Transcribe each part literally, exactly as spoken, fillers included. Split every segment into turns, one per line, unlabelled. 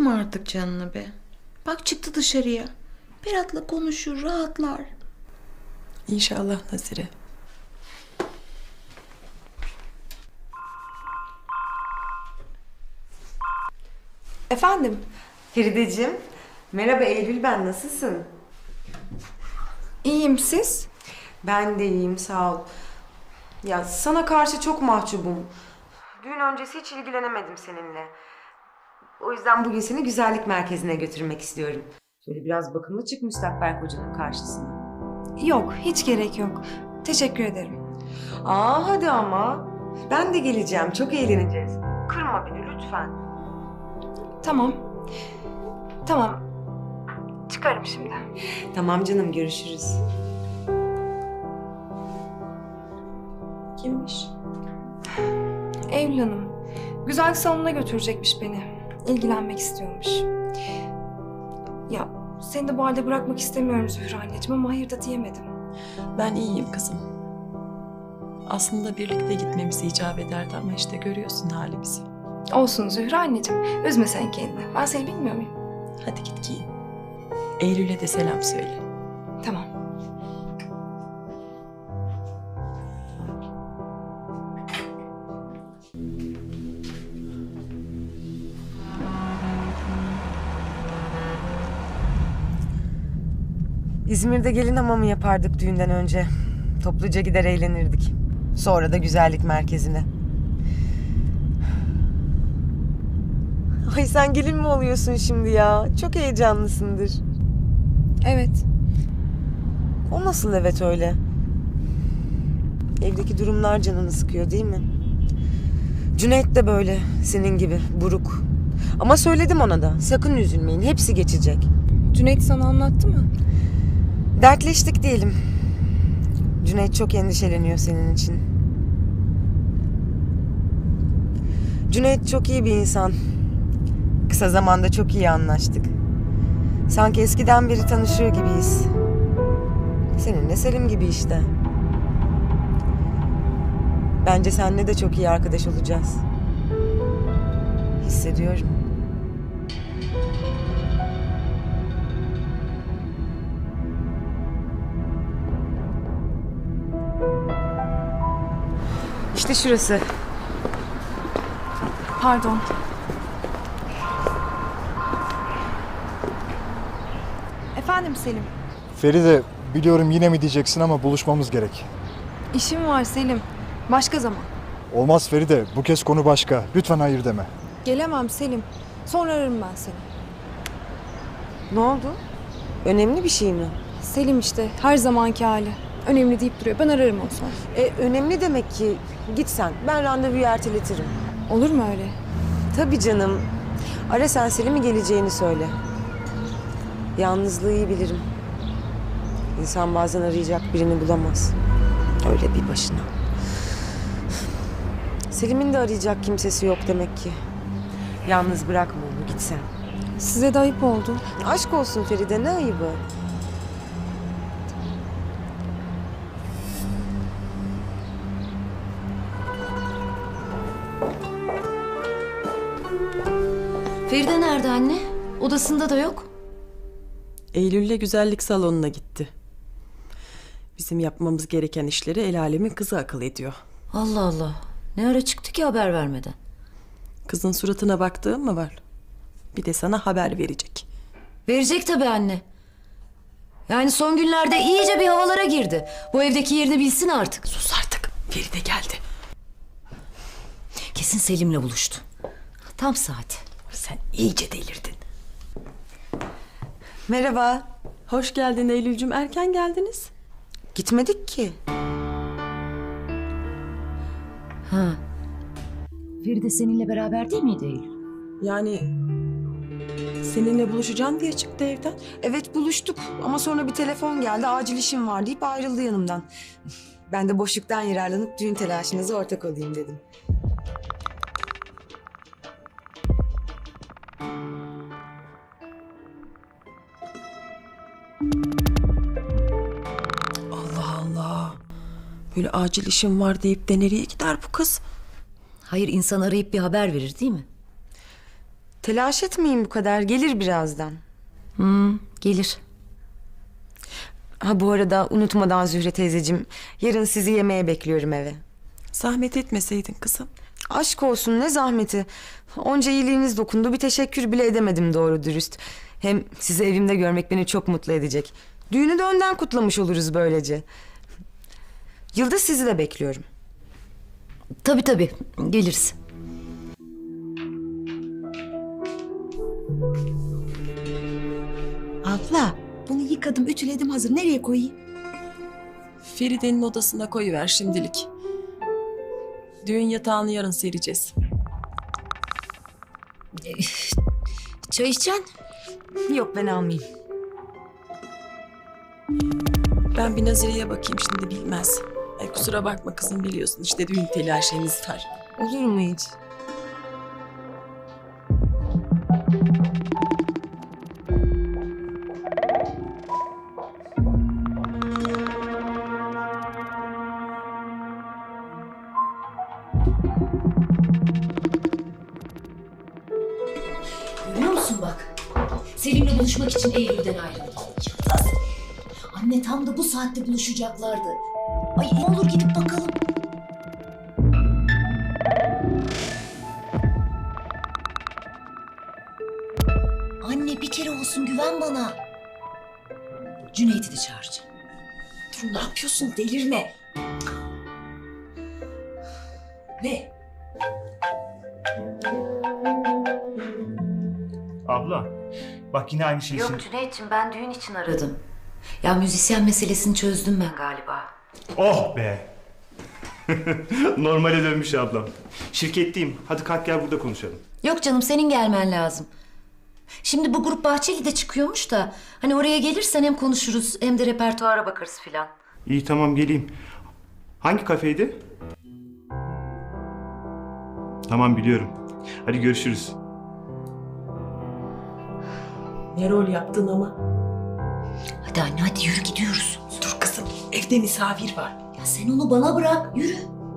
Sıkma artık canını be. Bak çıktı dışarıya. Berat'la konuşur, rahatlar.
İnşallah Nazire.
Efendim?
Ferideciğim, merhaba Eylül ben, nasılsın?
İyiyim, siz?
Ben de iyiyim, sağ ol. Ya sana karşı çok mahcubum. Düğün öncesi hiç ilgilenemedim seninle. O yüzden bugün seni güzellik merkezine götürmek istiyorum. Şöyle biraz bakımlı çık müstakbel kocanın karşısına.
Yok, hiç gerek yok. Teşekkür ederim.
Aa hadi ama. Ben de geleceğim, çok eğleneceğiz. Kırma beni lütfen.
Tamam. Tamam. Çıkarım şimdi.
Tamam canım, görüşürüz.
Kimmiş?
Eylül Hanım. Güzel salonuna götürecekmiş beni. İlgilenmek istiyormuş. Ya seni de bu halde bırakmak istemiyorum Zühre anneciğim ama hayır da diyemedim.
Ben iyiyim kızım. Aslında birlikte gitmemiz icap ederdi ama işte görüyorsun halimizi.
Olsun Zühre anneciğim. Üzme sen kendini. Ben seni bilmiyor muyum?
Hadi git giyin. Eylül'e de selam söyle.
Tamam.
İzmir'de gelin hamamı yapardık düğünden önce. Topluca gider eğlenirdik. Sonra da güzellik merkezine. Ay sen gelin mi oluyorsun şimdi ya? Çok heyecanlısındır.
Evet.
O nasıl evet öyle? Evdeki durumlar canını sıkıyor değil mi? Cüneyt de böyle senin gibi buruk. Ama söyledim ona da sakın üzülmeyin, hepsi geçecek.
Cüneyt sana anlattı mı?
Dertleştik diyelim. Cüneyt çok endişeleniyor senin için. Cüneyt çok iyi bir insan. Kısa zamanda çok iyi anlaştık. Sanki eskiden beri tanışıyor gibiyiz. Seninle Selim gibi işte. Bence seninle de çok iyi arkadaş olacağız. Hissediyorum. İşte şurası.
Pardon. Efendim Selim.
Feride, biliyorum yine mi diyeceksin ama buluşmamız gerek.
İşim var Selim. Başka zaman.
Olmaz Feride, bu kez konu başka. Lütfen hayır deme.
Gelemem Selim. Sonra ararım ben seni.
Ne oldu? Önemli bir şey mi?
Selim işte her zamanki hali. Önemli deyip duruyor. Ben ararım onu sonra.
E, önemli demek ki. Git sen. Ben randevuyu erteletirim.
Olur mu öyle?
Tabii canım. Ara sen Selim'i geleceğini söyle. Yalnızlığı iyi bilirim. İnsan bazen arayacak birini bulamaz. Öyle bir başına. Selim'in de arayacak kimsesi yok demek ki. Yalnız bırakma onu, git sen.
Size de ayıp oldu.
Aşk olsun Feride, ne ayıbı?
Feride nerede anne? Odasında da yok.
Eylül'le güzellik salonuna gitti. Bizim yapmamız gereken işleri el alemin kızı akıl ediyor.
Allah Allah. Ne ara çıktı ki haber vermeden?
Kızın suratına baktığın mı var? Bir de sana haber verecek.
Verecek tabii anne. Yani son günlerde iyice bir havalara girdi. Bu evdeki yerini bilsin artık.
Sus artık. Feride geldi.
Kesin Selim'le buluştu. Tam saati.
Sen iyice delirdin.
Merhaba.
Hoş geldin Eylül'cüm. Erken geldiniz.
Gitmedik ki.
Ha. Feride seninle beraber değil miydi Eylül?
Yani seninle buluşacağım diye çıktı evden.
Evet buluştuk ama sonra bir telefon geldi, acil işim var deyip ayrıldı yanımdan. Ben de boşluktan yararlanıp düğün telaşınıza ortak olayım dedim.
Allah Allah. Böyle acil işim var deyip de nereye gider bu kız?
Hayır, insan arayıp bir haber verir değil mi?
Telaş etmeyin bu kadar. Gelir birazdan.
Hmm, gelir.
Ha bu arada unutmadan Zühre teyzeciğim, yarın sizi yemeğe bekliyorum eve.
Zahmet etmeseydin kızım.
Aşk olsun, ne zahmeti. Onca iyiliğiniz dokundu, bir teşekkür bile edemedim doğru dürüst. Hem sizi evimde görmek beni çok mutlu edecek. Düğünü de önden kutlamış oluruz böylece. Yıldız, sizi de bekliyorum.
Tabii tabii, geliriz.
Abla bunu yıkadım ütüledim hazır. Nereye koyayım?
Feride'nin odasına koyuver şimdilik. Düğün yatağını yarın sereceğiz.
Çay içeceksin?
Yok, ben almayayım.
Ben bir Nazire'ye bakayım şimdi, bilmez. Ay, kusura bakma kızım, biliyorsun işte düğün telaşemiz var.
Olur mu hiç?
Görüyor musun bak? Selim'le buluşmak için Eylül'den ayrıldı. Yıldız. Anne tam da bu saatte buluşacaklardı. Ay ne olur gidip bakalım. Anne bir kere olsun güven bana. Cüneyt'i de çağıracağım.
Dur ne yapıyorsun delirme.
Ne?
Abla, bak yine aynı şeysin.
Yok Cüneyt'ciğim ben düğün için aradım. Ya müzisyen meselesini çözdüm ben galiba.
Oh be! Normale dönmüş ablam. Şirketteyim. Hadi kalk gel burada konuşalım.
Yok canım senin gelmen lazım. Şimdi bu grup Bahçeli'de çıkıyormuş da hani oraya gelirsen hem konuşuruz hem de repertuara bakarız filan.
İyi tamam geleyim. Hangi kafeydi? Tamam biliyorum. Hadi görüşürüz.
Ne rol yaptın ama.
Hadi anne hadi yürü gidiyoruz.
Dur kızım, evde misafir var.
Ya sen onu bana bırak yürü.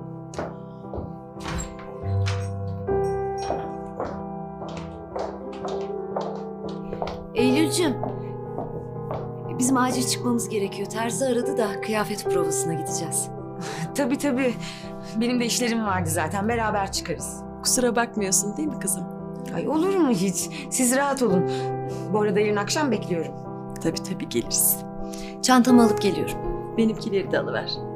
Eylül'cüm. Bizim acil çıkmamız gerekiyor. Terzi aradı da kıyafet provasına gideceğiz.
Tabii tabii. Benim de işlerim vardı zaten. Beraber çıkarız.
Kusura bakmıyorsun değil mi kızım?
Ay olur mu hiç? Siz rahat olun. Bu arada yarın akşam bekliyorum.
Tabii tabii geliriz.
Çantamı alıp geliyorum.
Benimkileri de alıver.